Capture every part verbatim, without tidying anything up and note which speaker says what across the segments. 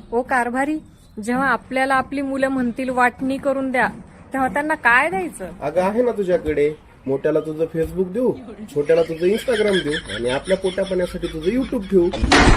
Speaker 1: ओ कारभारी, जेव्हा आपल्याला आपली मुलं म्हणतील वाटणी करून द्या, तेव्हा त्यांना काय द्यायचं?
Speaker 2: अगं आहे ना तुझ्याकडे. मोठ्याला तुझं फेसबुक देऊ, छोट्याला तुझं इंस्टाग्राम देऊ आणि आपल्या पोटापाण्यासाठी तुझं युट्यूब ठेवू.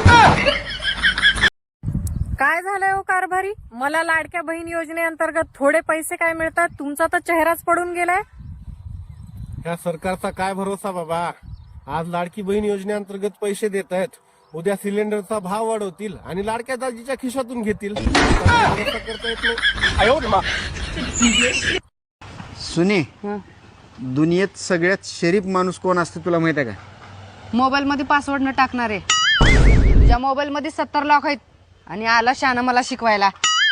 Speaker 1: काय झालंय ओ कारभारी? मला लाडक्या बहीण योजनेअंतर्गत थोडे पैसे काय मिळतात, तुमचा तर चेहराच पडून गेलाय.
Speaker 2: या सरकारचा काय भरोसा बाबा. आज लाडकी बहीण योजनेअंतर्गत पैसे देत आहेत, उद्या सिलेंडरचा भाव वाढवतील आणि लाडक्या दाजीच्या खिशातून घेतील. भरोसा करता येत नाही.
Speaker 3: सुने, दुनियेत सगळ्यात शरीफ माणूस कोण असते तुला माहित आहे का?
Speaker 4: मोबाईल मध्ये पासवर्ड न टाकणारे. तुझ्या मोबाईल मध्ये सत्तर लाख आहेत आणि आला शाना मला शिकवायला.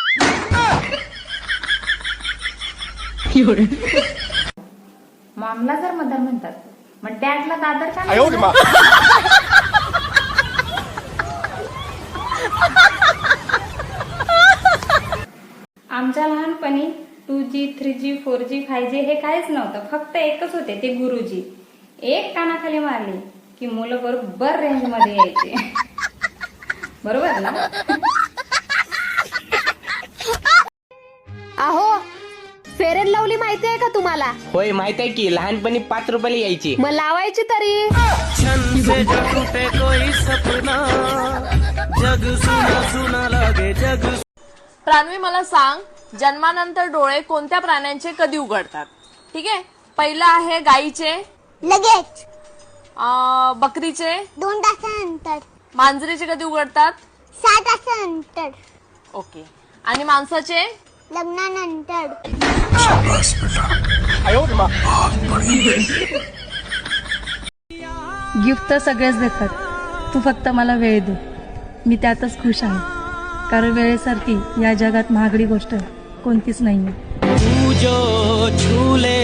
Speaker 5: मॉमला जर मदर म्हणतात, मग डॅडला दादर का नाही म्हणतात? आमच्या लहानपणी two G three G four G five G हे काहीच नव्हतं. फक्त एकच होते, ते गुरुजी. एक कानाखाली मारली की मुलं बरोबर रेंज मध्ये यायचे. बरोबर ना?
Speaker 6: अहो, फेअर अँड लवली माहिती आहे का तुम्हाला?
Speaker 7: होय माहित आहे की, लहानपणी पाच रुपयाला यायची.
Speaker 6: मग लावायची तरी.
Speaker 8: प्रान्वी, मला सांग, जन्मानंतर डोळे कोणत्या प्राण्यांचे कधी उघडतात? ठीक आहे, पहिलं आहे गाईचे,
Speaker 6: लगेच
Speaker 8: अं, बकरीचे,
Speaker 6: दोन तासानंतर,
Speaker 8: मांजरीचे कधी उघडतात?
Speaker 6: सहा तासानंतर,
Speaker 8: ओके. आणि माणसाचे?
Speaker 6: लग्नानंतर.
Speaker 9: गिफ्ट तर सगळेच देतात, तू फक्त मला वेळ दे, मी त्यातच खुश आहे. कारण वेळेसारखी या जगात महागडी गोष्ट कोणतीच नाहीये.
Speaker 7: तू जो झूले